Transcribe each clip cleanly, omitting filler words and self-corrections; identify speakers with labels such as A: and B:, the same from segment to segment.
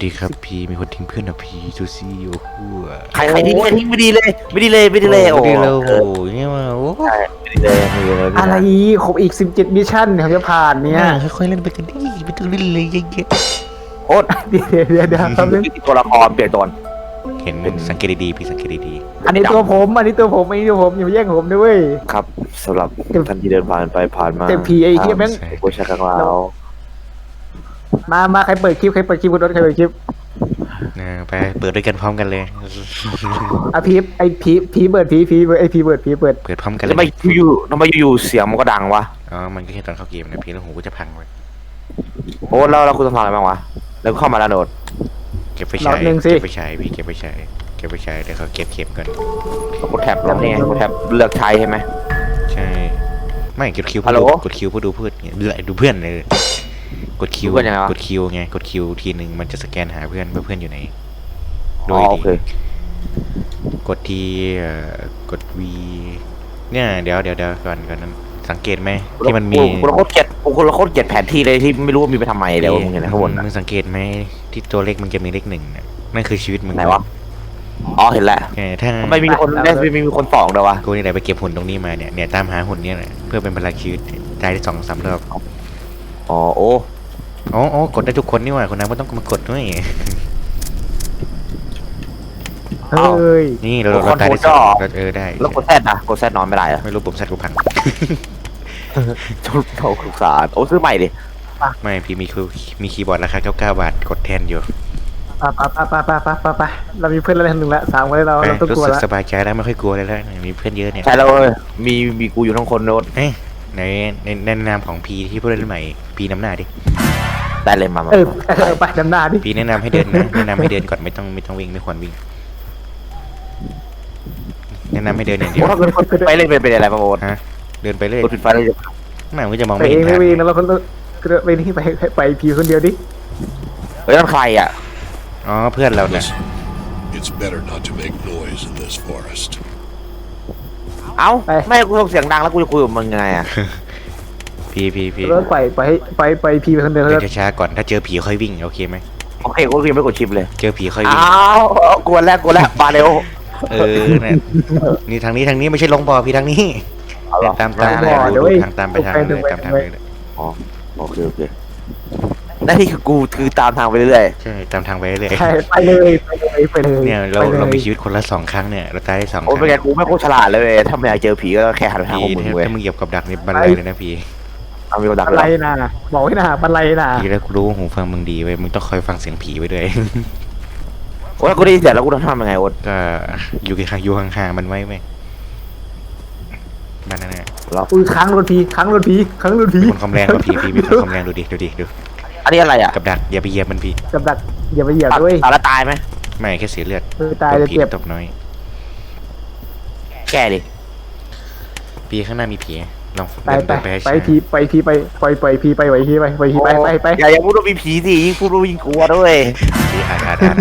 A: ดีครับพี่มีคนทิ้งเพื่อนนะพี่ซูซี่โอ้โห
B: ใครทิ้งไม่ดีเลยไม่ดีเลยโอ้
A: ดีเลยโอ้โหเนี่ยมาโอ้
B: ใช่ไม่ดีเลยไม่ดีเลย
C: อะไรครบอีก17มิชชั่นเขาจะผ่านเนี่ย
A: ค่อยๆเล่นไปกันดิไม่ต้องเล่นเลยเยอะ
B: โอ๊ต
C: เดี๋ยวแป๊บนึง
B: ตัวละครเปลี่ยนตัว
A: ๆเห็นสังเกตดีๆพี่สังเกตดี
C: อันนี้ตัวผมอย่ามาแย่งผมด้วย
B: ครับสำหรับท่านที่เดินผ่านไปผ่านมา
C: เต็มผีไอ้เหี้ยแม่ง
B: โอ้ชากังลาว
C: มาใครเปิดคลิปคุณรถใครเปิดคลิป
A: ๆนะไปเปิดด้วยกันพร้อมกันเลย
C: อ่ะผีเปิดไอ้ผีเปิด
A: เปิดพร้อมกันเล
B: ทำไม
A: ย
B: อยู่เสียงมันก็ดังวะ
A: อ๋อมันก็แค่ตอนเข้าเกมนะพี่แล้วหูก็จะพังไป
B: โอ๊ตแล้วคุณทำอะไรบ้างวะแล้วเข้ามาแล้วโดด
A: เก็บไฟฉายเก็บไฟฉายพี่เก็บไฟฉายเดี๋ยวเขาเก็บเข็มก่อน
B: กดแท็บแล้วนี่ไงกดแท็บเลือกใช้ใช่ไหม
A: ใช่ไม่กดคิว
B: ฮัลโหล
A: กดคิวเพื่อดูเพื่อนดูเพื่อนเลยกดคิว
B: ดูเพื่อนยังไงวะ
A: กดคิวไงกดคิวทีหนึ่งมันจะสแกนหาเพื่อนว่าเพื่อนอยู่ไหนโด
B: อ๋อย โอ
A: ดี
B: เค
A: กดทีกด V เนี่ยเดี๋ยวก่อนนั้นสังเกตไหมที่มันมี
B: กูโคตรเกลียดแผนที่เลยที่ไม่รู้ว่ามีไปทำไมแล้วมึงเห็นไหมข้างบน
A: มึงสังเกตไหมที่ตัวเลขมันจะมีเลขหนึ่งน่ะนั่นคือชีวิตมึง
B: ไหนวะอ๋อเห็นแล้ว
A: ถ้า
B: ทำไมมีคนสองเดียววะ
A: กูนี่แหละไปเก็บหุ่นตรงนี้มาเนี่ยตามหาหุ่นเนี่ยเพื่อเป็นพลังชีวิตตายได้2-3 รอบ
B: อ๋อโอ้
A: อ๋อกดได้ทุกคนนี่หว่าคนนั้นไม่ต้องมากดด้วย
C: เฮ้ย
A: นี่เราตายได้สองได้
B: แล้วกดแซดนะกดแซดนอนไม่ได้เหรอ
A: ไม่รู้ผมซัดกูพัง
B: ทุกทุกสารโอ้ซื้อใหม่ดิ
A: ไม่พี่มีคีย์บอร์ดราคา99 บาทกดแทนอยู่
C: ไปเรามีเพื่อนแล้วหนึ่งละ3คนเราต้อง
A: รู้
C: กลัว
A: สึก
C: ละ
A: สบายใจแล้วไม่ค่อยกลัวเลยแล้วมีเพื่อนเยอะเนี่ย
B: ใช่แล้วมีกูอยู่ทั้งคนโน้ต
A: ในนามของพีที่ผู้เล่นใหม่พีนำหน้าดิ
B: ได้เลยมา
C: ไปดำหน้าดิ
A: พีแนะนำให้เดินนะแนะนำให้เดินก่อนไม่ต้องวิ่งไม่ควรวิ่งแนะนำให้เดินอย่างเดียว
B: โอ้ถ้าเกิดไปเล่นเป็นอะไรมาโอ๊ต
A: ฮะเดินไปเรื่อย
B: กดปิดไฟเลย
A: ไม่มันก็จะมอง
C: ไป
A: ไม่
C: เอ
A: เห็
C: ง
A: นทาง
C: ไม่วิ่งแล้วเราคนไปนี่ไปผีคนเดียวดิ
B: เฮ้ยนั่นใครอ่ะ
A: อ๋อเพื่อนเราเนี่ย
D: Listen, it's better not to make noise in this forest.
B: เอ้าไม่กูส่งเสียงดังแล้วกูจะคุยกับมึงยังไงอ่ะ
A: พี
C: รถไปผีไปคนเดียว
A: เดินช้าๆก่อนถ้าเจอผีค่อยวิ่งโอเคไหม
B: โอเคกูยังไม่กดชิปเลย
A: เจอผีค่อยวิ่ง
B: อ้าวกวนแล้วมาเร็ว
A: เนี่ยนี่ทางนี้ไม่ใช่ลงบ่อพี่ทางนี้ตามทางตามไปทางเลยตามทางเลย
B: อ๋อโอเคหน้าที่กูคือตามทางไปเรื่อย
A: ใช่ตามทางไปเรื่อย
C: ใช่ไปเลย
A: เนี่ยเรามีชีวิตคนละ2 ครั้งเนี่ยเราตายได้2 ค
B: โอ้
A: รั้ง
B: เป็นไงกูไม่โคตรฉลาดเลยถ้าไม่อยากเจอผีก็แค่หันไปทางพวกมึงเว้ย
A: ถ้ามึงเหยียบกับดักนี่บันไลเลยนะพี่
B: เอามีคนดัก
C: บัน
B: เล
C: ไล
B: ย
C: นะบอกให้นะบันไลนะ
A: พี่แล้วกูรู้หูฟังมึงดีไว้มึงต้องคอยฟังเสียงผีไว้ด้วย
B: โอ้ยกูได้ยินเสียงแล้วกูต้องทำยังไงโอ๊ต
A: ก็อยู่ห่างๆมันไว้ไหมบ้านนั่นแหละ
C: อุ้ยค้างรถผี
A: มีคนคอมแรงกว่าพี่มีคนคอมแรงดู
B: อันนี้อะไรอ่ะ
A: กับดักอย่าไปเหยียบมันพี่
C: กับดักอย่าไปเหยียบด้วย
B: ตายแล้วตายไหม
A: ไม่แค่เสียเลือด
C: ตายเลยเจ็บ
A: ตบน้อย
B: แก้ดิ
A: พี่ข้างหน้ามีผีลอง
C: ไป
A: เดินไป
C: ไปผีไปผีไปปล่อยผีไปไหวผีไป
B: อย่าพูดว่ามีผีสิยิ่งพูดว่ายิ่งกลัวด้วย
A: พี่อ่าน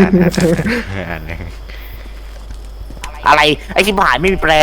B: อะไรไอ้ชิบหายไม่มีแปล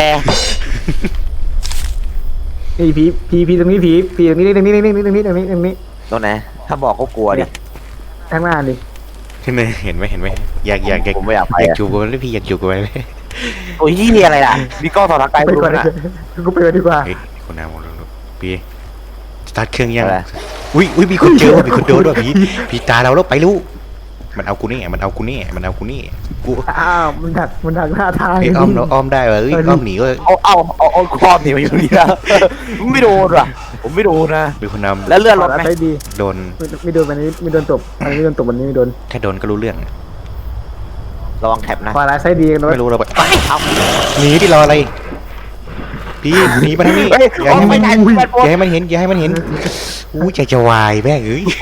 C: นี่ผีตรงนี้ผีตรงนี้ตรงนี้
B: ตรงไหนถ้าบอกก็กลัวดิ
C: ข้างหน้าดิ
A: เห็นไหมอยาก
B: ผมไม่อยากไป
A: จูบกันเลยพี่อยากจูบกันเลย
B: โอ้ยยี่อะไรล่ะมีกล้องส่องทางไกล
C: ไป
B: ดู
C: ก่อน
B: นะ
C: กูไปก่อนดีกว่า
A: เฮ้ยคนน้ำลงพี่สตาร์ทเครื่องยังอุ้ยมีคนเจอมีคนโดนด้วยพี่ตาเราแล้วไปรู้มันเอากูนี่กู
C: อ้าวมันดักหน้าทาง
A: ไอ้อ้อมได้เหรออ้อมหนีก็
B: เอาครอบหนีมาอยู่นี่นะไม่โดนว่ะผมไม่โดนนะ
A: เป็นคนนำ
B: แล้วเลื่อนรถไหม
C: ได้ดี
A: โดน
C: ไม่โดนวันนี้ไม่โดนตบอันนี้ไม่โดนตบวันนี้ไม่โดน
A: แค่โดนก็รู้เรื่อง
B: ระวังแท็บนะ
C: ขวาร้ายไส้ดีกันด้วย
A: ไม่รู้เราไป
B: เอา
A: หนีที่รออะไรพี่หนีมาทางนี้อย่าให้มันเห็นอู้ใจจะวายแม่งเอ้ย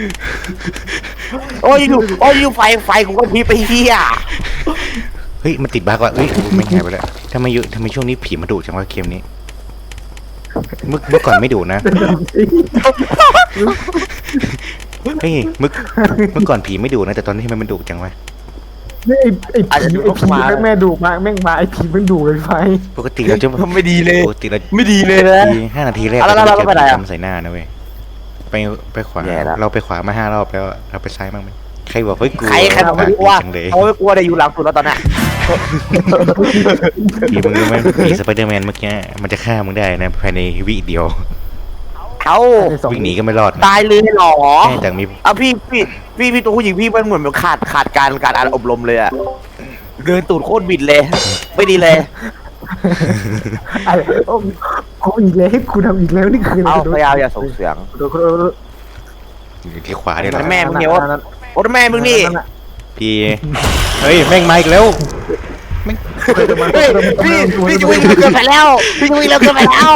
B: โอ้ยอยู่ไฟกูก็พีไปเฮีย
A: เฮ้ยมันติดบั๊กว่ะเฮ้ยไม่หายไปแล้วทำไมช่วงนี้ผีมาดุจังวะเกมนี้เมื่อก่อนไม่ดุนะเฮ้ยเมื่อก่อนผีไม่ดุนะแต่ตอนนี้มันดุจังวะ
C: นี่ไอ้ผีแม่ดุมากแม่งมาไอ้ผีมันดุเลยไฟ
A: ปกติเราจะ
B: ไม่ดีเลย
A: ปกติเรา
B: ไม่ดีเลยนะ
A: 5 นาทีแรก
B: แล้ว
A: เรา
B: เรา
A: จะ
B: ไปไหนอะ
A: ทำใส่หน้านะเว้ยไปขวา
B: แย่ละ
A: เราไปขวามา5 รอบแล้วเราไปซ้ายบ้างไหมใครบอกไม่กลัว
B: ใครบอกไม่กลัว
A: จังเลย
B: เขาไม่กลัวได้อยู่หลังสุดแล้วตอนเนี้ย
A: พี่มึงรู้ไหมผีสไปเดอร์แมนเมื่อกี้มันจะฆ่ามึงได้นะภายในวิเดียว
B: เอ้า
A: วิ่งหนีก็ไม่รอดนะ
B: ตายเลยเหรอ
A: แค่แต่มี
B: เอาพี่ตัวผู้หญิงพี่มันเหมือนขาดการอบรมเลยอะเดินตูดโคตรบิดเลย ไม่ดีเลย
C: อะไรโอ้กูอีกแล้วให้กูทำอีกแล้วนี่คืออะไร
B: เอาพยายามอย่าส่งเสียง
C: โดน
A: อยู่ที่ขวาเนี่ยแหละ
B: แม่มึงเนี่ยโอ้แม่มึงนี่
A: พี่เฮ้ยแม่งมาอีกแล้ว
B: เฮ้ยพี่จะวิ่งเร็วเกินไปแล้วพี่จะวิ่งเร็วเกินไปแล้ว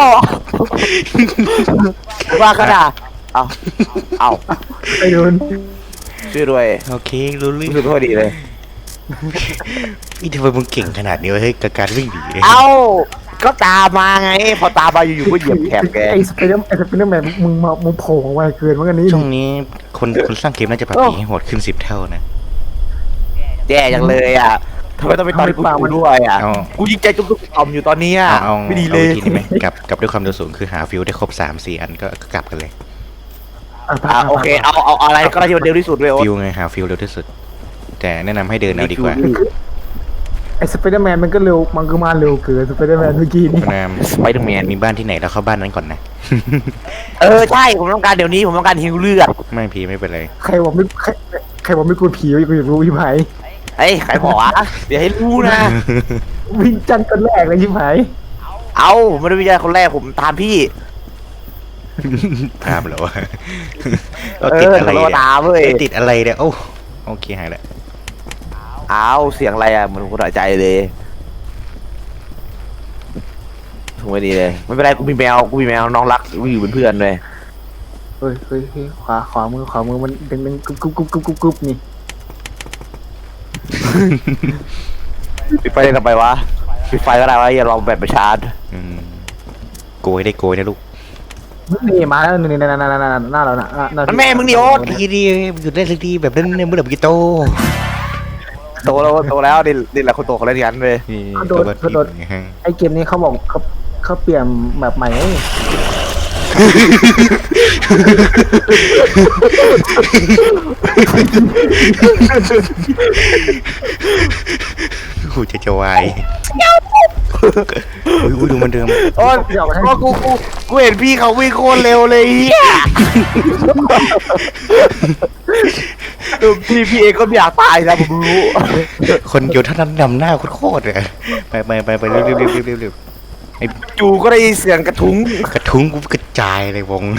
B: ว่าก็ด่าเอา
C: ไปโดน
B: ช่วยด้วย
A: โอเครู้เรื่อง
B: รู้สึกว่าดีเลย
A: นี่ทำไมมึงเก่งขนาดนี้วะเฮ้ยกับการวิ่งหนีเนี่ย
B: เอาก็ตามมาไง พอตามมาอยู่ๆก็เหยียบแถบแก
C: ไอ้สไปเดอร์แมนมึงโผล่มาเกินเหมือนกันนี่
A: ช่วงนี้คนสร้างเกมน่าจะปรับผีให้โหดขึ้น10 เท่านะ
B: แย่จังเลยอ่ะทำไมต้องไปตอนกูด้วยอ่ะ
A: เอา
B: กูยิงใจจุ๊บๆต่อมอยู่ตอนนี้
A: เอา
B: ไม่ดีเลย
A: อาวิธีนี้ไหมกลับด้วยความเร็วสูงคือหาฟิวได้ครบ3-4 อันก็กลับกันเลย
B: โอเคเอาอะไรก็ได้ที่มันเร็วที่สุดเลยโอ๊ต
A: ฟิวไงหาฟิวเร็วที่สุด แต่แนะนำให้เดินเอาดีกว่า
C: ไอ้สไปเดอร์แมนมันก็เร็วมันก็มาเร็วเกินสไปเดอร์แมนเมื่อกี้นี่
A: นาม
B: ไปตรงแมน
A: มีบ้านที่ไหนเราเข้าบ้านนั้นก่อนนะ
B: ใช่ผมต้องการเดี๋ยวนี้ผมต้องการฮิวเลือด
A: ไม่พีไม่เป็นไร
C: ใครบอกไม่กลัวผีกูอยากรู้พี่ไผ่
B: เฮ้ยใครบอกวะเดี๋ยวให้รู้นะ
C: วิ่งจันคนแรกเลยพี่ไผ่
B: เอาผมไม่ได้วิจัยคนแรกผมตามพี่
A: ตามเหรอวะเราติดอะไร
B: เรา
A: เนี่ย
B: ตามเว้ย
A: เราติดอะไรเนี่ยโอ้โอเคหายละ
B: เอาเสียงอะไรอ่ะเหมือนคนหายใจเลยถูกไม่ดีเลยไม่เป็นไรกูมีแมวน้องรักอยู่เป็นเพื่อนเลย
C: เฮ้ยขวามือมันดึงกึบนี่
B: ปิดไฟได้ทำไมวะปิดไฟก็ได้วะอย่าลองแบบไปชาร์จ
A: อืมโกยได้โกยนะลูก
C: นี่มาแล้วนี่หน้าเราน่ะ
B: มันแม่มึงนี่โอ๊ต
A: ดีดีหยุดได้สักทีแบบนั้นเนี่ยเมื่อไหร่มึงจะโต
B: โตแล้วนี่แหละคนโตเขาเล่นกันเลย
A: นี่
C: เขาโดนไอเกมนี้เขาบอกเขาเปลี่ยนแบบใหม่
A: กูจะวายอุ้ยดูมันเดิม
B: โอ๊ตก็กูเห็นพี่เขาวิ่งโคตรเร็วเลยเฮียพี่เองก็ไม่อยากตายนะผมรู้
A: คนเดียวเท่านั้นนำหน้าโคตรเลยไปเร็วไอ้
B: จู่ก็ได้ยินเสียงกระทุ้ง
A: กระทุ้งกูกระจายเลยวง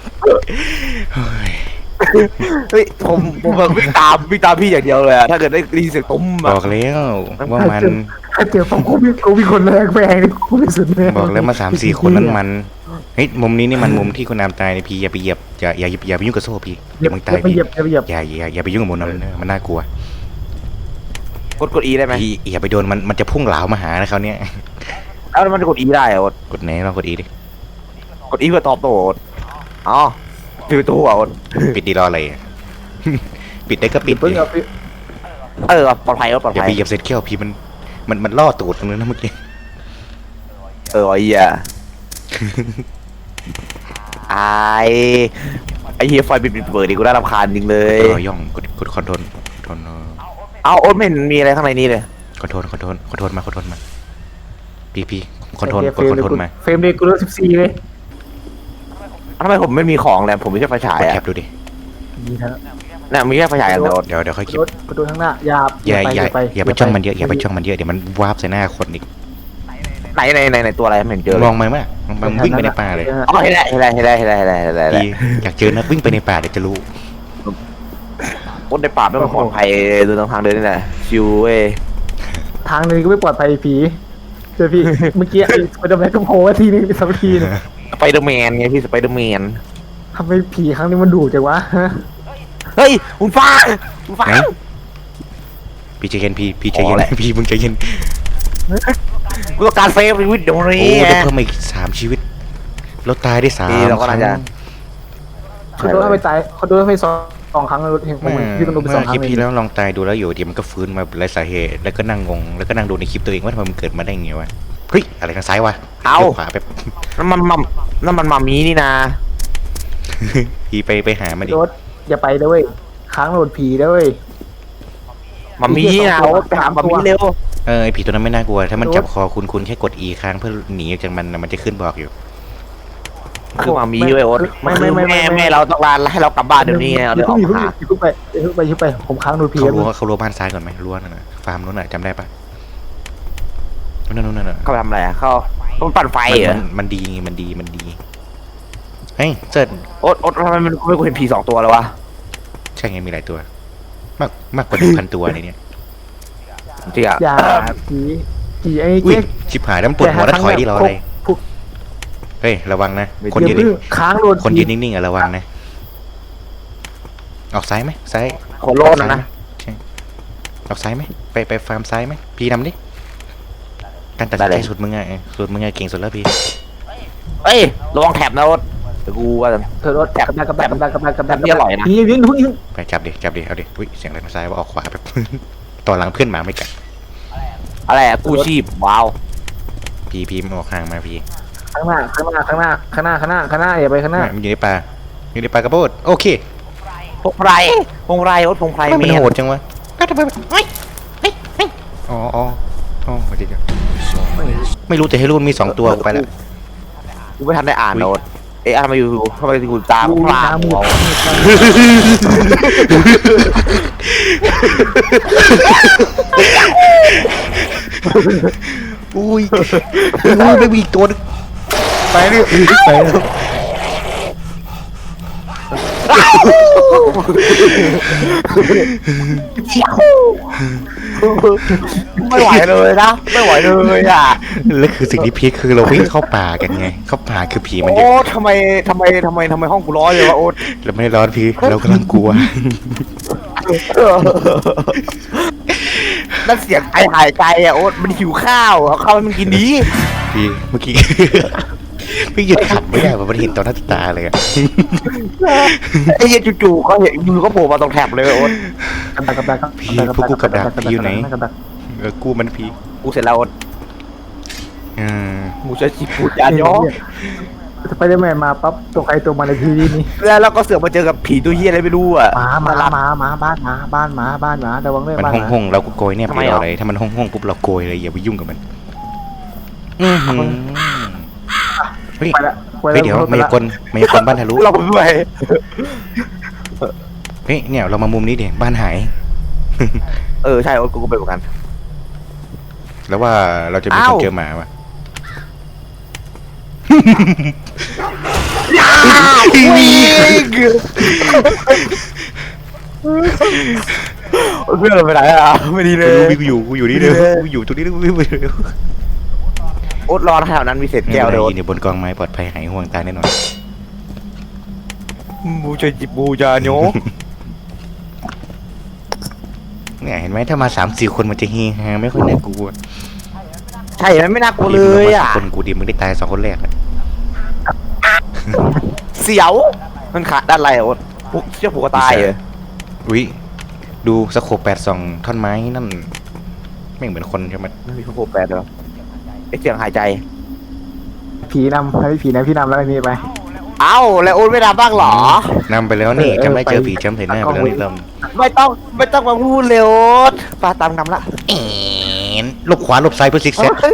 A: เฮ้ย
B: เฮ้ยผมวิ่งตามพี่อย่างเดียวเลยอะถ้าเกิดได้ยินเสียงตุ้ม
A: บ
B: อะ
A: อกแล้วว่ามัน
C: ถ้าเจอผมกูมีคนแรกแม่งนี่กูไม่สุดแม่
A: บอกแล้วมา3-4 คนนั้นมันเฮ้ยมุมนี้นี่มันมุมที่คุณนามตายในพี่อย่าไปเหยียบอย่าไปยุ่งกับโซ่พี่เดี๋ยวมึงตาย
C: ไป
A: พี่
C: เหยียบ
A: อย่าไปยุ่งกับมุมนั้นมันน่ากลัว
B: กด E ได้ไหม
A: พี่อย่าไปโดนมันจะพุ่งเหลามาหานะเขาเนี่ย
B: เอ้ามันจะกด E ได้เหรอ
A: กดไหนลองกดอีดิ
B: กด E เพื่อตอบโต้อ๋อปิดประตูอ่ะ
A: ปิดดีรออะไรปิดได้ก็ปิด
C: เพิ่ง
A: ดิ
B: เอาปลอดภัยปลอด
A: อย่า
B: ภั
A: ไป
B: ย
A: เหยียบเซตเขี้ยวพี่มันล่อตูดตรงนั้นนะเมื่อกี้
B: ไอ้เหี้ยไอ้เหี้ยไฟปิดเปิดดิกูได้รำคาญจริงเลย
A: ย่องกดคอนโทรล
B: เอาโอ๊ตไม่เห็นมีอะไรข้างในนี้เลย
A: คอนโทรลมาพี่คอนโทรลกดคอนโทรลมา
C: เฟรมเรทกูลด14เลย
B: ทำไมผมไม่มีของแล้วผมมีแค่ไฟฉาย
A: กด
B: อ่ะ
A: แคปดูดิ
C: นี่นะ
B: เนี่ยมีแค่ไฟฉายอย่างเดียว
A: เดี๋ยวค่อยคิด
C: รถกูดูข้างหน้า
A: อย่าไปจ้องมันเยอะเดี๋ยวมันวาร์ปใส่หน้าคนอีก
B: ไหนตัวอะไรไม่เห็นเจอ
A: มองมันมันวิ่งไปในป่าเลย
B: อ๋อเห็นแล้ว
A: พี่อยากเจอนะวิ่งไปในป่าเดี๋ยวจะรู้
B: คนในป่าไม่ปลอดภัยเดินทางเดินนี่แหละชิวเว้ย
C: ทางนึงก็ไม่ปลอดภัยผีเจอพี่เมื่อกี้ไอ้สไปเดอร์แมนก็โผล่ทีนึงสักทีนึง
B: สไปเดอร์แมนไงพี่สไปเดอร์แมน
C: ทำไมผีครั้งนี้มันดุจังวะ
B: เฮ้ยคุณฟ้า
A: ไหนพี่ใจเย็นพี่ใจเย็นพี่มึงใจเย็น
B: กูต้องการเซฟชีวิตเดี๋ยว
A: โอ้
B: นี้
A: ได้เพิ่มอีก3 ชีวิตเราตายได้3
B: เราก็น่าจะ
C: เขาโดนไปตายเขาโดนไป2 ครั้งรถเห็นผมพี่ต้องโดนไป2 ค
A: คลิ
C: รั้
A: ป
C: ง
A: ที่แล้วลองตายดูแล้วอยู่เดี๋ยวมันก็ฟื้นมาไร้สาเหตุแล้วก็นั่งงงแล้วก็นั่งดูในคลิปตัวเองว่าทำไมมันเกิดมาได้ไงวะเฮ้ยอะไรทางซ้ายวะขวาแบบ
B: นั่นมันมามีนี่นะ
A: พี่ไปหามันดิ
C: รถอย่าไปเลยค้างโหลดผีด้วย
B: มามีนะโอ๊ตไปหามามีเร็ว
A: ไอผีตัวนั้นไม่น่ากลัวถ้ามันจับคอคุณแค่กด E ค้างเพื่อหนีออกจากมันนะมันจะขึ้นบอกอยู่
B: คือมามีไว้โอ๊ตแม่เราต้องลาให้เรากลับบ้านเดี๋ยวนี้เราเลยออกหา
C: อย่าเพิ่งไปผมค้างโหลดผี
A: เขารั้วบ้านซ้ายก่อนไหมรั้วนั่นน่ะฟาร์มนู้นน่ะจำได้ปะนู่นน่ะ
B: เขาทำอะไรเขาต้องปั่นไฟเหรอ
A: มันดีเฮ้ยเจิด
B: โอ๊ตทำไมมันไม่กูเห็นผี2 ตัวแล้ววะ
A: ใช่ไงมีหลายตัว มากกว่า1,000 ตัวในเนี้ย
B: จริงอ่ะ
C: อย่าผีไอ้
A: อุ้ย
C: เจ๊ก
A: ชิบหายแล้วมันปวดหัวแล้วถอยดิรออะไรเฮ้ยระวังนะคนยืน
C: ค้างโหลด
A: คนยืนนิ่งๆอะระวังนะออกซ้ายไหมซ้าย
B: โคโลนนะ
A: ใช่ออกซ้ายไหมไปฟาร์มซ้ายไหมพี่นำดิการตัดสินใจสุดมึงไงเก่งสุดแล้วพี่
B: เอ้ยระวังแถบนะโอ๊ตเดี๋ยวกูว่า
C: เธอรถกับดัก
B: นี่อร่อยนะ
C: ยิง
A: ไปจับดิเอาดิอุ้ยเสียงอะไรมาซ้ายว่าออกขวาแบบ ต่อหลังเพื่อนหมาไม่กัด
B: อะไรอะกู้ชีพว้าว
A: พี่มันออกห่างมาพี่
C: ข้างหน้าอย่าไปข้างหน้า
A: มันอยู่ในป่ากระโปดโอเค
B: พงไพรโอ๊ตพงไพร
A: ไม่
B: เมีย
A: โหดจังวะก็ทำไมอ๋อเดี๋ยวไม่รู้แต่ให้รุ่นมี2 ตัวไปแล้ว
B: กูไม่ทันได้อ่านโอ๊ตทำไมอยู่ทำไมกูตาพลาดหัว
A: อุ้ยไม่มีอีกตัวนึงไปแล้ว
B: ไม่ไหวเลยนะไม่ไหวเลยอ่ะ
A: แล้วคือสิ่งที่พีคคือเราวิ่งเข้าป่ากันไงเข้าป่าคือผีมันเย
B: โอ๊
A: อะ
B: ตทำไมห้องกูร้อนเลยวะโอ๊ต
A: เราไม่ได้ร้อนพี่เรากำลังกลัว
B: นั่นเสียงไอหายใจอ่ะโอ๊ตมันหิวข้าวเอาข้าวให้มันกินดี
A: พี่เมื่อกี้ พี่หยุดขำไม่ได้เพราะมันเห็นต่อหน้าต่อตาเลยอะ
B: ไอ้เหี้ยจู่ๆก็เห็นมือก็โผล่มาตรงแถบเลยโอ๊ต
A: กูมันพี่
B: กูเสร็จแล้วโอ๊ต
A: อืม
B: กูจะจิบปูจานย่อ
C: สไปเดอร์แมนมาปั๊บตัวใครตัวมันในทีวีนี้
B: แล้วเราก็เสือกมาเจอกับผีตัวเหี้ยอะไรไม่รู้อ่ะ
C: มาบ้านหมาระวังด้วย
A: มัน
C: บ้านหมา
A: ห้องเราก็โกยเนี่ย
B: ทำ
A: ไป
B: ไม
A: เอา
B: อ่ะ
A: อะไรถ้ามันห้องปุ๊บเราโกยเลยอย่าไปยุ่งกับมันเฮ้ย
C: ไปละ
A: เดี๋ยวมายากลบ้านทะลุ
B: เราไปด้วย
A: เฮ้ยเนี่ยเรามามุมนี้ดิบ้านหาย
B: ใช่โอ๊ตกูก็ไปเหมือนกัน
A: แล้วว่าเราจะมีคนเจอหมาวะ
B: เพื่อนเราไปไหนอ่ะไม่ดีเลย
A: กูอยู่นี่เร็วกูอยู่ตรงนี้เร็ว
B: โอ๊ตรอแถวนั้นมีเศษ
A: แก้
B: แก้
A: ว
B: ว
A: เล
B: เลย ยโอ๊ต
A: เนี่ยบนกองไม้ปลอดภัยหายห่วงตายแน่นอน
B: บูจะจิบบูจานโย
A: เนี่ยเห็นไหมถ้ามา3-4 คนมันจะเฮฮาไม่ค่อยน่ากลัว
B: ใช่มันไม่น่ากลัวเลยอ่ะ
A: คนกูดีมึงได้ตาย2 คนแรกอะ
B: เสียวมันขาดด้านไรโอ๊ตเชื่อผูกตายเลย
A: อุ้ยดูสโคป82ท่อนไม้นั่นไม่เหมือนคนใช่ไหม
B: ไม่มีพวกแปดแล้วไอเสียงหายใจ
C: ผีนำให้ผีนะพี่นำแล้วไอ้นี่ไป
B: เอ้าแล้วโอ๊ตไม่รับบ้างเหรอ
A: นำไปแล้วนี่จำได้เจอผีจำเห็นหน้าไปแล้วนี่เรา
B: ไม่ต้องมาพูดเลยโอ๊ตปาตามนำละ
A: หลบขวาหลบซ้ายเพื่อซิกแซก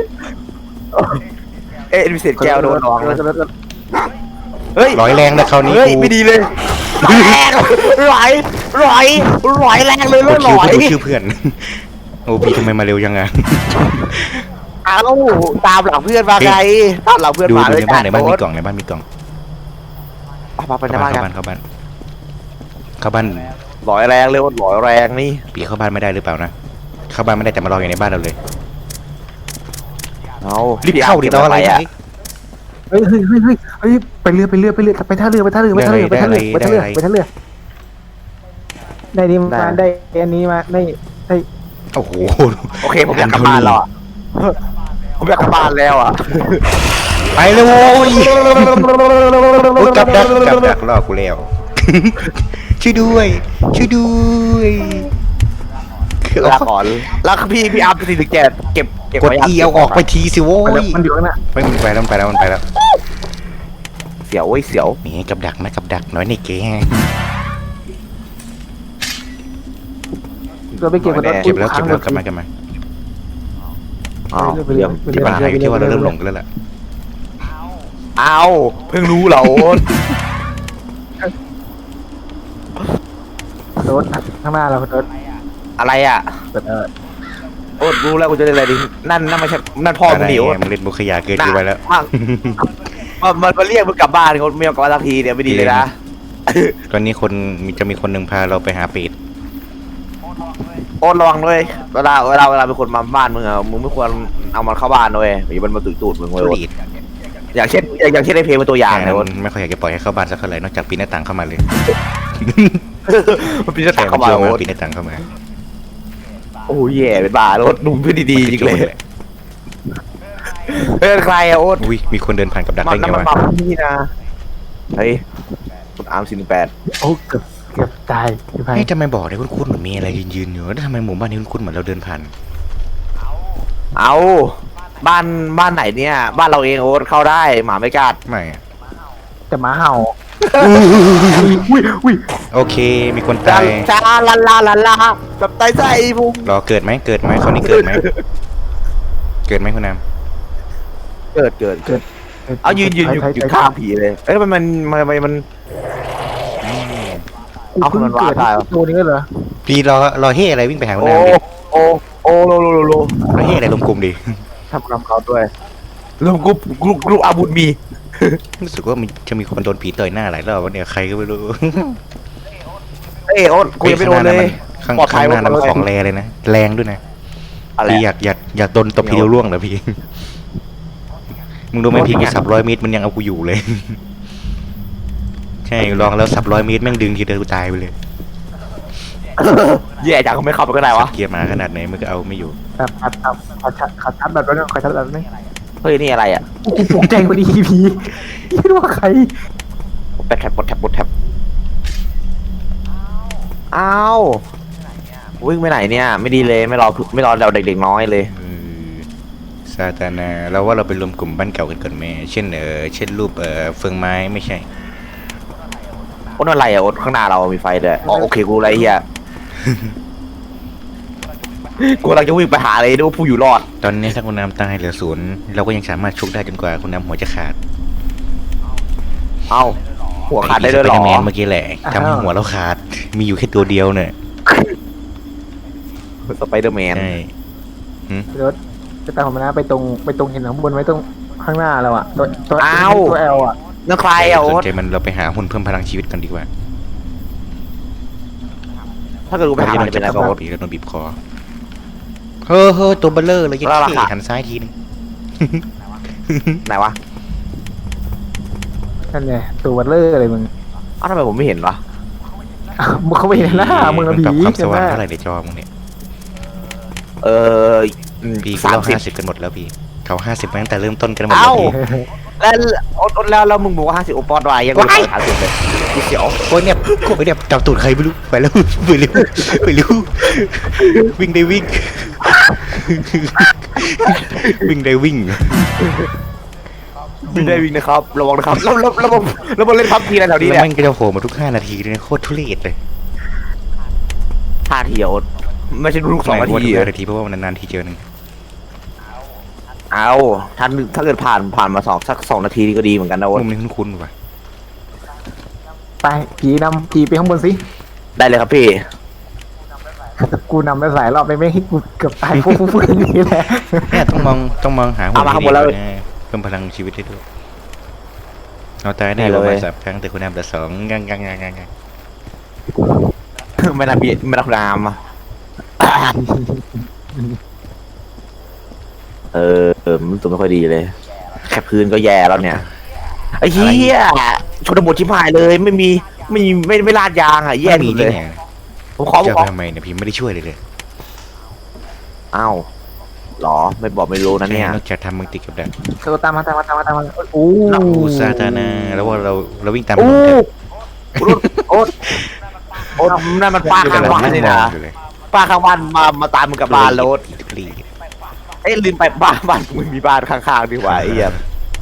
B: มีเศษแก้วโดนน้องเฮ้ย
A: ร้อยแรงนะคราวนี้
B: เฮ้ย
A: กู
B: ไม่ดีเลยแรงร้อยแรงเลย
A: ก
B: ร้
A: ด
B: อย
A: คิวชื่อเพื่อน โอ้พี่ทำไมมาเร็วยังไง
B: อ้าวตามหลังเพื่อนมาไงตามหลังเพื่อน
A: ดู
B: มาเลย
A: ในบ้านมีกล่องในบ้านมีกล่อง
B: ไปในบ้านกัน
A: เข้าบ้าน
B: ร้อยแรงเลยร้อยแรงนี่
A: ปีเข้าบ้านไม่ได้หรือเปล่านะเข้าบ้านไม่ได้แต่มารออยู่ในบ้านเราเลย
B: เอา
A: รีบเข้าดิรออะไร
B: อ่ะ
C: เฮ้ยไปเรือไปท่าเรือได้นี่มาได้อันนี้มาได้
A: โอ้โห
B: โอเคผมอยากกลับบ้านแล้วอ่ะผมอยากกลับบ้านแล้วอ่ะ
A: ไปเลยโว้ยโอ้ยกับดักล่อกูแล้ว ช่วยด้วย
B: ลาก่อนแล้วพี่อัพสิถึงแกเก็บ
A: กดอีเอาออกไปทีสิโว้ย
C: มันอยู่ข้างหน้า
A: มันไปแล้ว
B: เสียวเว้ยเสียว
A: นี่กับดักน้อยในเกง
C: เราไปเก็บกัน
A: เก็บแล้วกลับมา
B: อ้าวเรื่อง
A: ที่ปัญหาอยู่ที่ว่าเราเริ่มหลงกันแล้วล่ะ
B: เอาเพิ่งรู้เหรอโอ๊ต
C: รถข้างหน้าเรารถ
B: อะไรอ่ะ
C: เปิด
B: โอ๊ตรู้แล้วกูจะเล่นอะไรดีนั่นไม่ใช่นั่นพ่อมึงดิโอ๊ต
A: มึงเล่นบุคยาเกินไปแล้ว
B: มันมาเรียกมึงกลับบ้านเขาไม่ยอมกลับบ้านสักทีเนี่ยไม่ดีเลยนะ
A: ตอนนี้จะมีคนหนึ่งพาเราไปหาเป็ด
B: โอ๊ตระวังด้วยเวลาเป็นคนมาบ้านมึงอ่ะมึงไม่ควรเอามันเข้าบ้านด้วยอย่ามันมาตุยตูดมึงเลย
A: ทุ
B: โอ๊ต
A: เรศ
B: อย่างเช่นในเพลงเป็นตัวอย่าง
A: แค่
B: นะ
A: นั้น
B: โอ๊ต
A: ไม่ค่อยอยากจะปล่อยให้เข้าบ้านสักเท่าไหร่นอกจากปีนหน้าต่างเข้ามาเลย
B: มันเป็นจะตัก
A: แค่
B: เข้ามา
A: เชื่อ
B: โอ๊
A: มา
B: ต
A: ปีนหน้าต่างเข้ามา
B: โอ้ยแย่เป็นบ้าโอ๊ตนุ่มเพื่อนดีๆจริงเลยเป็นใครอะโอ๊ต
A: อุ้ยมีคนเดินผ่านกับดัก
B: มั
A: ได้
B: น
A: ไง
B: มัน
A: วะ
B: มาที่นะเฮ้ยคุณอาร์ม48
C: โอ้เกือบตายพี่ไพ่
A: เฮ้ยทำไมบอกเลยคุ้นๆเหมือนมีอะไรยืนอยู่แล้วทำไมหมู่บ้านนี้คุ้นๆเหมือนเราเดินผ่าน
B: เอาบ้านไหนเนี่ย บ้านเราเองโอ๊ตเข้าได้หมาไม่กัด
A: ไม่อะ
C: แต่หมาเห่าอุ้ย
A: โอเค มีคนตาย
B: จ้าลาแบบตายใจพุง
A: รอเกิดไหมคราวนี้เกิดไหมคุณน้
B: เกิดเอายืนอยู่ข้างผีเลยเอ้ยมัน เอาคนมันวาดได้เหรอ
C: ตัวนี้เหรอ
A: ำพี่รอเฮ่อะไรวิ่งไปหาคุณ
B: โอ้
A: น้ำดิ
B: โอ้โล
A: รอเฮ่อะไรลงกลุ่มดิ
B: ทำนำเขาด้วยรวมกรุ๊ปอาบุญมี
A: รู้สึกว่ามันจะมีคนโดนผีต่อยหน้าหลายรอบวันเนี่ยใครก็ไม่รู้
B: เอ้โอ๊ตกูยังไม่โดนเลย
A: ข้าง
B: ปลอดภัย
A: หน้านั้น
B: ปลอดภัย
A: ของแรเลยนะแรงด้วยนะ
B: อะไร
A: พี่อยากโดนตบทีเดียวร่วงเหรอพี่ มึงรู้ไหมพี่แค่100 เมตรมันยังเอากูอยู่เลย ใช่ลองแล้ว100 เมตรแม่งดึงทีเดียวกูตายไปเลย
B: แย่จังเขาไม่เข้าไปก็ได้วะ
A: เกียร์มาขนาดไหนมันก็เอาไม่อยู่
C: แบบขัดชัดแบบนั้นขัดชัดแบบนี้
B: เฮ้ยนี่อะไรอ่ะ
C: กูตกใจพอดีผีไม่รู้ว่าใคร
B: แบตแท็บอ้าววิ่งไปไหนเนี่ย ไม่ดีเลยไม่รอเราเด็กๆน้อยเลย
A: ซาตานาเราว่าเราไปรวมกลุ่มบ้านเก่ากันก่อนไหมเช่นเช่นรูปเฟืองไม้ไม่ใช่
B: โอ๊ตอะไรอ่ะโอ๊ตข้างหน้าเรามีไฟด้วยอ๋อโอเคกูอะไรเฮีย กูกำลังจะวิ่งไปหาเลยดูผู้อยู่รอด
A: ตอนนี้ถ้าคุณน้ำตายเหลือ0เราก็ยังสามารถชุกได้จนกว่าคุณน้ำหัวจะขาด
B: เอ้าหัวขาดได้ด้วยเหรอ
A: สปเดอร์แมนเมื่อกี้แหละทำให้หัวเราขาดมีอยู่แค่ตัวเดียวเนี่ย
B: สไปเดอร์แมน
A: ใช่
C: รถจะตามผมนะไปตรงเห็นข้างบนไว้ตรงข้างหน้าเราอ่ะตัวแอลอ่ะ
B: นั่นใครอ่ะ
A: ส
B: โอ๊
A: น
B: ต
A: ใจมันเราไปหาหุ่นเพิ่มพลังชีวิตกันดีกว่า
B: ถ้าเกิดกูไปหามันจะเป็นอะไรกับโอ๊ต
A: ปีแล้วโดนบีบคอเฮ้อตัวเบลเลอร์เลยยัด
B: แล้วรา
A: ขี้
B: คา
A: หันซ้ายทีนึง
B: ไหนวะ
C: นั่นไงตัววัดเลอร์อะไรมึง
B: อ้าวทำไมผมไม่เห็นวะ
C: มึงเขาไม่เห็นหน้ามึง
A: มัน
C: ผี
A: ปรับความส
C: ใช่ไหม
A: ว่างเท่าไหร่ในจอมึงเนี่ย พี่
B: สาม
A: เรา
B: สิบ
A: 50กันหมดแล้วพี่เขา50มาตั้งแต่เริ่มต้นกันหมดแล้
B: เอ้า
A: วพี่
B: แล้วโอ๊ตแล้วมึงบอกว่า50โอปอดไว้ยังไม่หาสิบเลยพี่เสียว
A: โอ้ยเนี่ยจับตูดใครไม่รู้ไปแล้วไปเร็ววิ่งได้วิ่งวิ่งได้วิ่ง
B: วิ่งได้วิ่งนะครับระวังนะครับแล้วมันเล่นพับทีอะไรแถวนี้
A: แล้ว
B: เนี่ย
A: มันก็จะโผล่มาทุก5 นาทีเลยนะโคตรทุเรศเลย
B: 5 ทีโอ๊ตไม่ใช่ลูก2 นาที
A: ทุก5 นาทีเพราะว่ามันนานๆทีเจอหนึ่ง
B: เอาถ้าเกิดผ่านมาสัก2 นาทีนี่ก็ดีเหมือนกันนะโอ๊ต
A: มุมนี้คุ้นๆว่ะ
C: ไปผีนำผีไปข้างบนสิ
B: ได้เลยครับพี่
C: กูนำไปหลายรอบไปไม่ให้กูเกือบตายฟุ้งๆนี่แหละ
A: เนี่ยต้องมองหาหุ่นที่ดีกว่านะเพิ่มพลังชีวิตได้ด้วยเอาตายได้ประมาณ3 ครั้งแต่คุณน้ำแต่2งัง
B: ไม่น่าพี่ไม่น่าคุณอามอ่ะมันตัวไม่ค่อยดีเลย แค่พื้นก็แย่แล้วเนี่ยไอ้เหี้ยชนบทชิบหายเลยไม่ลาดยางอ่ะแย่
A: มี
B: สุดเล
A: ที่
B: ย
A: ไหน
B: ผมขอ
A: จะทำไมเนี่ยพี่ไม่ได้ช่วยเลย
B: อ้าวหรอไม่บอกไม่รู้นะเนี่ย
A: นอกจากทำมึงติดกับดัก
C: ตามมาโอ้
A: ซาตานาแล้วว่าเราวิ่งตาม
B: โอ้
A: มัน
B: โอ๊ตนั่นมันป้าข้างบ้านนี่นะป้าข้างบ้านมาตามมึงกับบ้านแล้ว เอ้ยลืมไปบ้านมึงมีบ้านข้างๆดีกว่าไอ้เหี้ย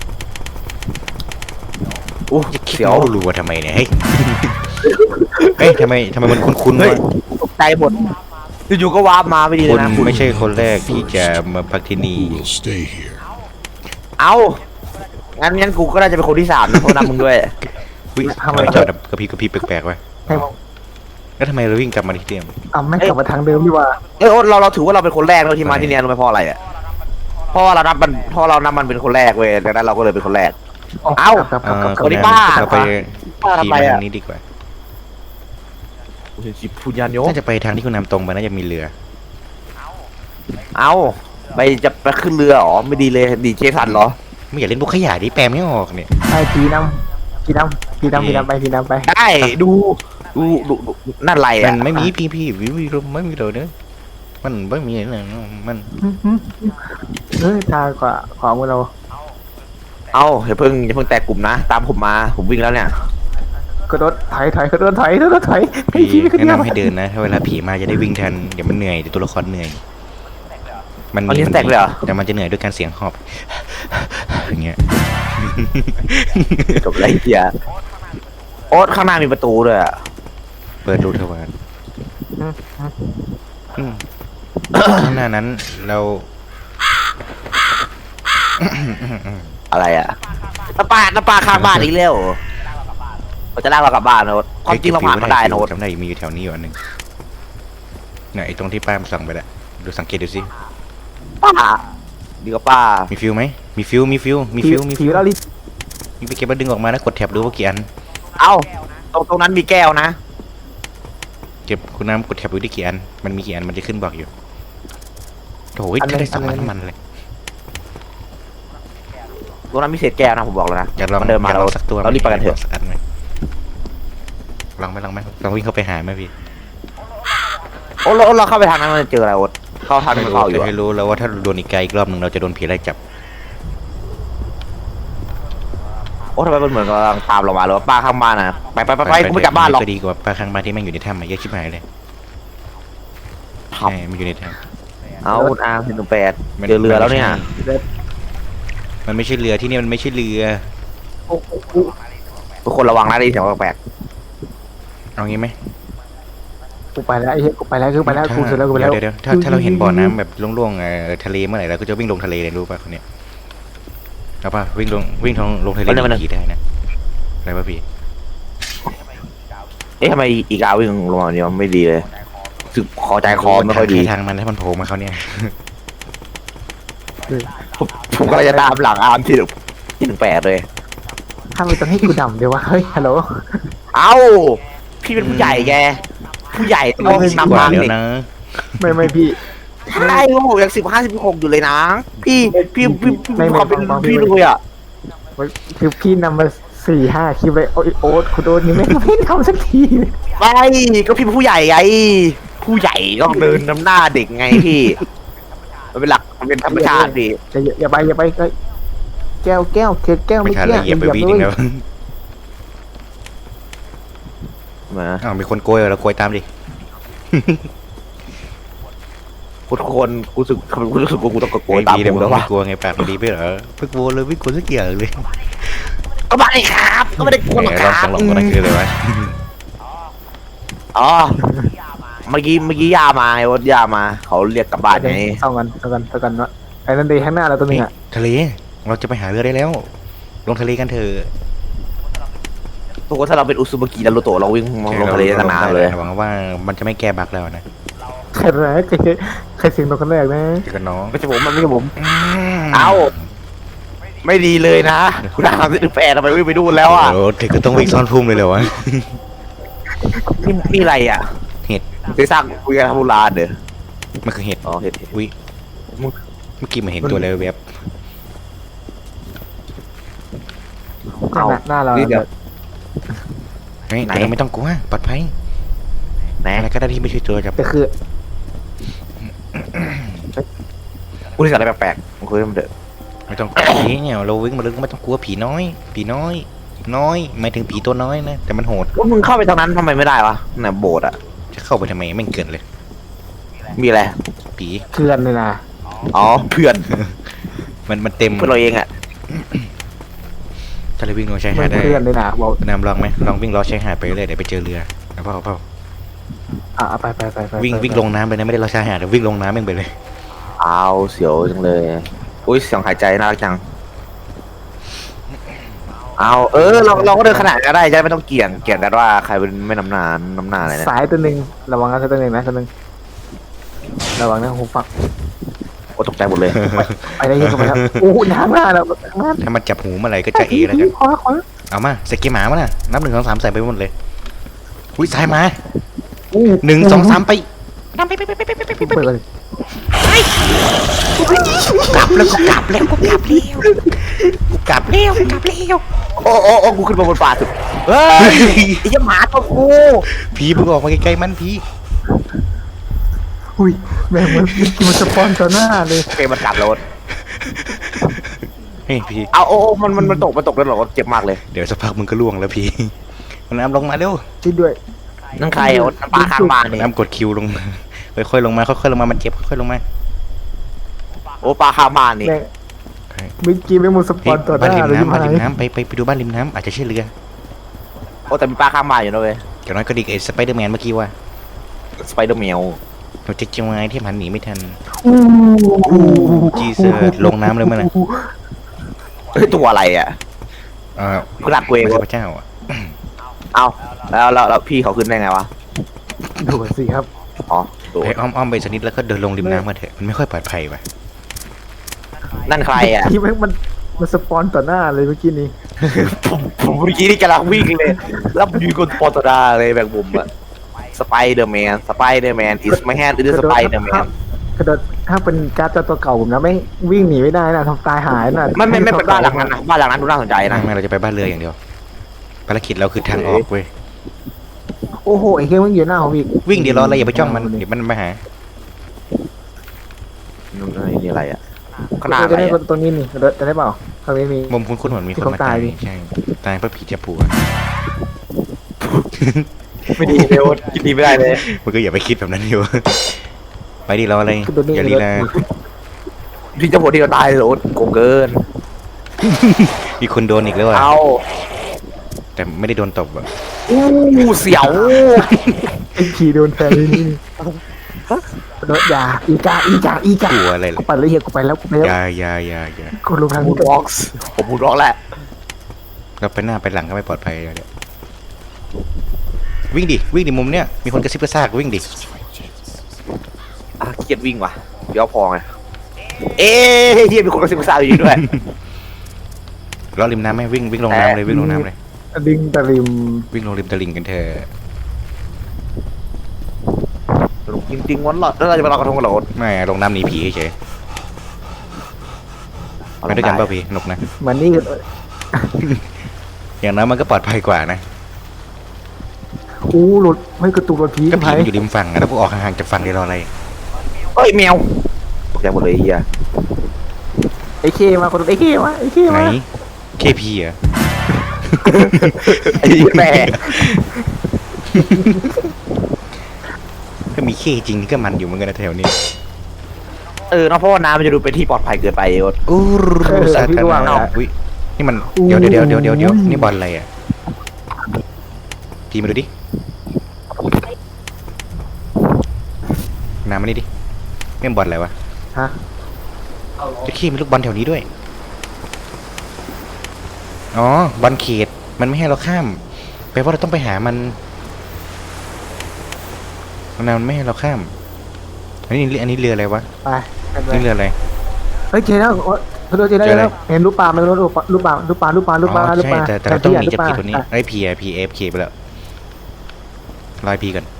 B: โอ้
A: เขี
B: เสี
A: ย
B: ยว ว
A: รัวทำไมเนี่ยเฮ้ยเฮ้ยทำไมมันคุ้นๆ
B: เฮ้ยว
A: ะ
B: ตกใจหมดอยู่ๆก็วาร์ปมาไม่ดีเล
A: คุ
B: ย
A: ณ
B: นะ
A: ไม่ใช่คนแรกที่จะมาพักที่นี่
D: Who will stay here?
B: เอางั้นกูก็น่าจะเป็นคนที่3นะเพราะนำมึงด้วย
A: วิทำไมจอดกระพริบแปลกๆวะ
C: ให้ผม
A: แล้วทำไมเราวิ่งกลับมาที่เดิม
C: เอาไม่กลับมาทางเดิมดีกว่า
B: เอ้ยโอ๊ตเราถือว่าเราเป็นคนแรกเลยที่มาที่เนี่ยรู้ไหมเพราะอะไรอ่ะเพราะว่าเรานับมันเป็นคนแรกเว้ยดังนั้นเราก็เลยเป็นคนแรก เอ้า
C: ครับครับครับ
B: สวัสดีป้า
A: เราไป
B: ป้าทำ
A: ขี่
B: ไร
A: มา
B: อะ
A: ทางนี้ดีกว่า
B: พูดยันโย
A: น่าจะไปทางที่คุณนำตรงไปน่าจะมีเรือ
B: เอาจะไปขึ้นเรือเหรอไม่ดีเลยดีเจสันเหรอ
A: ไม่อยากเล่นพวกขยะดิแปลไม่ออกเนี่ย
C: ไอ้พีน้ำไปพีน้ำไป
B: ได้ดูนั่นไร
A: มั
B: อ่ะ
A: นไม่มีพี่วิวไม่มีเลยเนอะมันไม่มีเลยมัน
C: ทางกว่าขวามือเรา
B: เอาอย่าเพิ่งแตกกลุ่มนะ ตามผมมาผมวิ่งแล้วเนี่ย
C: กระโดดถอยกระโดดถอยไอ้
A: พี่
C: พี่ขึ้น
A: แนะ
C: เรือ
A: นำให้เดินนะถ้าเวลาผีมาจะได้วิ่งทันเดี๋ยวมันเหนื่อยเดี๋ยวตัวละครเหนื่อยมัน
B: อันนี้แตกเลยเหรอ
A: แต่มันจะเหนื่อยด้วยการเสียงหอบอย่างเงี้ย
B: จบไรเดียโอ๊ตข้างหน้ามีประตูด้วยอะ
A: เปิดรูทวารข้างหน้านั้นเรา
B: อะไรอ่ะน้าป้าข้างบ้านอีกแล้วเราจะลากเรากลับบ้านโน้ตความจริงเราผ่านมาได้โน้ต
A: จำได้มีอยู่แถวนี้อยู่อันหนึ่งไหนตรงที่ป้ามันสั่งไปละดูสังเกตดูสิ
B: ป้าดีกว่าป้า
A: มีฟิวไหมมีฟิว
C: ผีเราลิ
A: มีไปเก็บแล้วดึงออกมาแล้วกดแท็บดูว่ากี่อัน
B: เอ้าตรงนั้นมีแก้วนะ
A: เก็บคุณน้ำกดแท็บดูได้กี่อันมันมีกี่อันมันจะขึ้นบอกอยู่โอ้ยถ้าได้2 อันมันเลย
B: ตรงนั้นมีเศษแก้วนะผมบอกแล้วนะ
A: อยากลอง
B: มันเดินมา
A: อยกลองสักตัว
B: เรารีบไปกันเถอะ
A: สักอันไหมลองไหมลองวิ่งเข้าไปหาไหมพี่
B: โอ๊ตเราเข้าไปทางนั้นมันจะเจออะไรโอ๊ตเข้าทางที่มันเข้าอยู่
A: จะให้รู้แล้วว่าถ้าโดนอีกไกลอีกรอบหนึ่งเราจะโดนผีไล่จับ
B: โอ๊ตทำไมมันเหมือนกำลังตามเรามาหรือว่าป้าข้างบ้านนะไปกูไม่กลับบ้านหรอก
A: ก็ดีกว่าป้าข้างบ้านที่แม่งอยู่ในถ้ำมาเยอะชิบหายเลย
B: ครั
A: ใช่
B: บ
A: มันอยู่ในถ้
B: เอาคุณอาร์ม118
A: ำ
B: เจอเรือแล้วเนี่ย
A: มันไม่ใช่เรือที่นี่มันไม่ใช่เรือ
B: ทุกคนระวังนะได้ยินเสียงแปลก
A: เอางี้ไหม
C: กูไปแล้วไอ้เหี้ยกูไปแล้วกูเสร็จแล้วกูไปแล้ว
A: เดี๋ยวถ้าเราเห็นบ่อน้ำแบบโล่งๆทะเลเมื่อไหร่เราก็จะวิ่งลงทะเลเลยรู้ป่ะคนเนี้ยเอาป่ะวิ่งลงทะเลผีได้นะอะไรป่ะพี่
B: เอ๊ะทำไมอีกาวิ่งลงมาเนี่ยไม่ดีเลยรู้สึกคอใจคอไม่ค่อยดี
A: ทางมันถ้ามันโผล่มาเขาเนี่ย
B: ผมก็เลยจะตามหลังอาร์มที่18เลย
C: ถ้าไม่ต้องให้กูดำเดี๋ยววะเฮ้ยฮัลโหล
B: เอ้าพี่เป็นผู้ใหญ่แกผู้ใหญ่ต้อง
A: ก
B: นำ
A: ว่า
B: ทาง
A: เดี๋ยว
B: เด็ก
A: นะ
C: ไม่พี่
B: ใช่โอ้โหยัง15 16อยู่เลยนะพี่ความเป็นพี่เลยอ่ะ
C: คือพี่นำมา4-5 คลิปเลยโอ๊ตคุณโดนนี่ไม่ทำสักทีเลย
B: ไม่ก็พี่เป็นผู้ใหญ่ไงผู้ใหญ่ต้องเดินนำหน้าเด็กไงพี่มันเป็นหลักมันเป็นธรรมชาติพี่
C: อย่าไปแก้วเกิด
A: ไม่
C: ไม่
A: ทัน
C: เกี้
A: ละเหยียบไปวิ่งแล้ว
B: มา
A: อ้าวมีคนโกยเราโกยตามดิ
B: ทุกคนกูรู้สึกว่ากูต้องกระโกน
A: ไอ้
B: ตาม
A: ดี
B: ผ
A: เดี๋ยว
B: ม
A: มึง
B: แล้ว
A: ไม่
B: ว่ะ
A: กลัวไงปากมันดีไปเหรอไม่กลัวเลยไม่กลัวสักอย่างเลย
B: ก็ไม่ได้ครับก็ไม่ได้กลัวหรอก
A: แหม
B: ค
A: ร
B: รั
A: อบบ สองหลงก็นั่นคืออะไรวะ
B: อ๋อเมื่อกี้ยามาไงว่ายามาเขาเรียกกลับบ้านไง
C: เอากันวะไอ้นั่นดีข้างหน้าเราตัวนึงอ่ะ
A: ทะเลเราจะไปหาเรือได้แล้ว ลงทะเลกันเถอะ
B: ปกติถ้าเราเป็นอุซุบากินารูโตะเราวิ่งลงทะเลตั้งนานเลย
A: หวังว่ามันจะไม่แก้บั๊กแล้วนะ
C: ใครเสียงตรงกันแรกนะ
A: เจอกันน้อง
B: ไม่ใช่ผมมันไม่ใช่ผมเอาไม่ดีเลยนะคุณอาร์ม18ทำไมวิ่งไปดูแล้วอ่ะ
A: โอ้ถึงก็ต้องวิ่งซ่อนพุ่มเลยเหรอวะ
B: นี่อะไรอ่ะ
A: เห็ด
B: ไปสร้างคุยกันทำโบราณเด้อ
A: มันคือเห็ด
B: อ๋อเห็ด
A: อุ้ยเมื่อกี้มันเห็นตัวอะไรแวบ
C: หน้าเรา
B: เดี๋ยว
A: เฮ้ยแต่เราไม่ต้องกลัวปลอดภัย
B: ไหน
A: อะไรก็ได้ที่ไม่ใช่ตัวจับ
C: แต่คือ
B: กูที่สั่งอะไรแปลกๆมันคุยกันเด้อ
A: ไม่ต้องกลัวผีเนี่ยเราวิ่งมาลึกไม่ต้องกลัวผีน้อยหมายถึงผีตัวน้อยนะแต่มันโหด
B: ว่ามึงเข้าไปทางนั้นทำไมไม่ได้วะน่ะโบสถ์อ่ะ
A: จะเข้าไปทำไมไม่งเกินเลย
B: มีอะไร
A: ผี
C: เพื่อนเลยนะ
B: อ๋อเพื่อน
A: มันเต็ม
B: เพื่อนเราเองอ่ะ
A: ถ้าเราวิ่งลงชาย
C: มั
A: หาด
C: น
A: ได้
C: เพื่อนเลยนะบอก
A: นำลองไหมลองวิ่งล้อชายหาดไปเรื่อยเดี๋ยวไปเจอเรือเอาเปล่า
C: ไป
A: วิ่งลงน้ำไปนะไม่ได้เราชายหาดวิ่งลงน้ำเองไปเลย
B: เอาเสียวจังเลยอุ้ยเสียงหายใจน่ารักจังเอาเราก็เดินขนาดก็ได้จะไม่ต้องเกี่ยงกันว่าใครเป็นไม่น้ำหนาอะไรนะ
C: สายตัวหนึ่งระวังนะตัวหนึ่งนะตัวหนึ่งระวังนะหูฟัง
B: โอ้ตกใจหมดเลย
C: ไปได้ยังไงครับโอ้น้ำหน้าแล้วน้ำ
A: ถ้ามันจับหูเมื่อไหร่ก็จะเอแล้วกัน
C: ขวา
A: เอามาใส่เกียร์หมามาน่ะนับ1 2 3ใส่ไปหมดเลยอุ้ยซ้ายมา1 2 3ไป
C: เปิดเลย
A: กลับแล้วกูกลับแล้ว
B: โอ้กูขึ้นมาบนป่าสุดเฮ้ยไอ้เหี้ยหมาตัวกู
A: ผีมึงออกมาใกล้ๆมันผี
C: อุ้ยแม่งมันสปอนต่อหน้าเลย
B: โอเคมันกลับแล้ว
A: เฮ้ยผี
B: เอามันตกแล้วเหรอเจ็บมากเลย
A: เดี๋ยวสักพักมึงก็ล่วงแล้วผีมันน้ำลงมาเร็ว
C: ช่วยด้วย
B: นั่นใครอ่ะปลาข้างบ้านนี่
A: น้ำกดคิวลงมาค่อยๆลงมาค่อยๆลงมามันเจ็บค่อยๆลงมา
B: โอ้ปลาข้างบ้านนี่
C: แม่งเมื่อกี้ไม่หมดสป
A: พี่
C: อนต่อห
A: บ้าน
C: น้า
A: ริม
C: เลย
A: น้ำบ้านริมน้ำไปดูบ้านริมน้ำอาจจะใช่เรือ
B: โอ้แต่มีปลาข้างบ้านอยู่นะเว้ย
A: อย่างน้อยก็ดีกว่าไอ้สไปเดอร์แมนเมื่อกี้ว่า
B: สไปเดอร์แมว
A: เราจะจังไงที่มันหนีไม่ทัน จีเซอร์ลงน้ำเลยมั้ยน่ะ
B: เฮ้ยตัวอะไรอ่ะ ขนาดกูเอง
A: ไม่ใช่พระเจ้าอ่ะ
B: เอาแล้วพี่เขาขึ้นได้ไงวะ
C: ดูสิครับ
B: อ๋อตัว
A: ไปอ้อมไปสักนิดแล้วก็เดินลงริมน้ำมาเถอะมันไม่ค่อยปลอดภัยว่ะ
B: นั่นใครอ่ะ
C: ที่มันสปอนต่อหน้าเลยเมื่อกี้นี้
B: ผมเมื่อกี้นี่กำลังวิ่งเลยแล้วมีคนปอตดาเลยแบบผมอะสไปเดอร์แมนis my hand is Spider-Man
C: กระโดดถ้าเป็นการ์ดตัวเก่าผมนะไม่วิ่งหนีไม่ได้นะทำตายหายนะ
B: ไม่เป็นบ้านหลังนั้นนะบ้านหลังนั้นดูน่าสนใจนะ
A: ไม่เราจะไปบ้านเรืออย่างเดียวภารกิจเราคือทางออกเว้ย
C: โอ้โหไอ้เหี้ยมันอยู่หน้าผมอีก
A: วิ่งเดี๋ยวรออะไรอย่าไปจ้องมันเดี๋ยวมันมาหา
B: นี่อะไรอ่ะขนาด
C: จะ
B: อะไร
C: ได้
B: อะ
C: ตรงนี้นี่จะได้เปล่าตรงนี้มี
A: มุมคุ้นๆเหมือนมีคนมาตายใช่ตายเพราะผีจับผัว
B: ไม่ดีเลยคิดดีไม่ได้เลย
A: มันก็อย่าไปคิดแบบนั้นอยู่ ไปดิรออะไรอย่าลีลา
B: พี่เจ้าผัวที่เราตายเลยโอ๊ตโกงเกิน
A: มีคนโดนอีกแล้วอ่ะ
B: เอา
A: แต่ไม่ได้โดนตบอ่ะ
B: อู้เสียว
C: ไอ้ขี่โดนแทงนี่โดนยาอีกาก
A: ลัวอะไรเล
C: กู
A: ย
C: ไปเลยเฮียกูไปแล้วกูไปแล้ว
A: อย่า
C: กูลงทาง
B: มู
C: นี้
B: ดร็อกส์ผมมูดร็อกแหละ
A: เราไปหน้าไปหลังก็ไม่ปลอดภัยเดี๋ยววิ่งดิมุมเนี้ยมีคนกระซิบกระซากวิ่งดิ
B: เครียดวิ่งว่ะเดี๋ยวพอไงเอ๊ะเฮียมีคนกระซิบกระซาบอยู่ด้วย
A: รอริมน้ำไหมวิ่งลงน้ำเลยวิ่งลงน้ำเลย
C: ดึงตะริม
A: วิ่งลงริมตลิ่งกันเถอะ
B: จริงๆวันหลอดแล้วเราจะไปลอยกระทงกันเหรอโอ๊ต
A: ไม่ลงน้ำหนีผีเฉยๆไปด้วยกันป่ะพี่หนุกนะ
C: มันนี่
A: อย่างน้อยมันก็ปลอดภัยกว่านะ
C: อู้รถไม่กระตุกรถผี
A: ก็ผี
C: ไผ่
A: มันอยู่ริมฝั่งอะแล้วพวกออกห่างๆจากฝั่งเดี๋ยวรออะไร
B: เอ้ยแมวตกใจหมดเลยเฮีย
C: ไอ้เคมาคนไอ้เคมา
A: ไหนเคพีอ่ะ
B: ไอ้แม่
A: ถ้ามีเคจริงนี่ก็มันอยู่เหมือนกันนะแถวนี้
B: เนอะเพราะว่าน้ำมันจะดูเป็นที่ปลอดภัยเกินไปโอ๊ต
A: อู้สาธารณะอุ้ยนี่มันเดี๋ยวนี่บอลอะไรอ่ะพี่มาดูดิน้ำมานี่ดินี่บอลอะไรวะ
C: ฮะ
A: จะขี้มีลูกบอลแถวนี้ด้วยอ๋อบอลเขตมันไม่ให้เราข้ามแปลว่าเราต้องไปหามันไม่ให้เราข้ามอันนี้เรืออะไรวะ
C: ไป
A: นี่เรืออะไร
C: เฮ้ยเจอแล้วเจอแล้วเห็นรูปปลาไหมรูปปลา
A: อ๋อใช่แต่เราต้องหนีจากผีตัวนี้ไอ้พีเอฟเคไปแล้วรอยพีกัน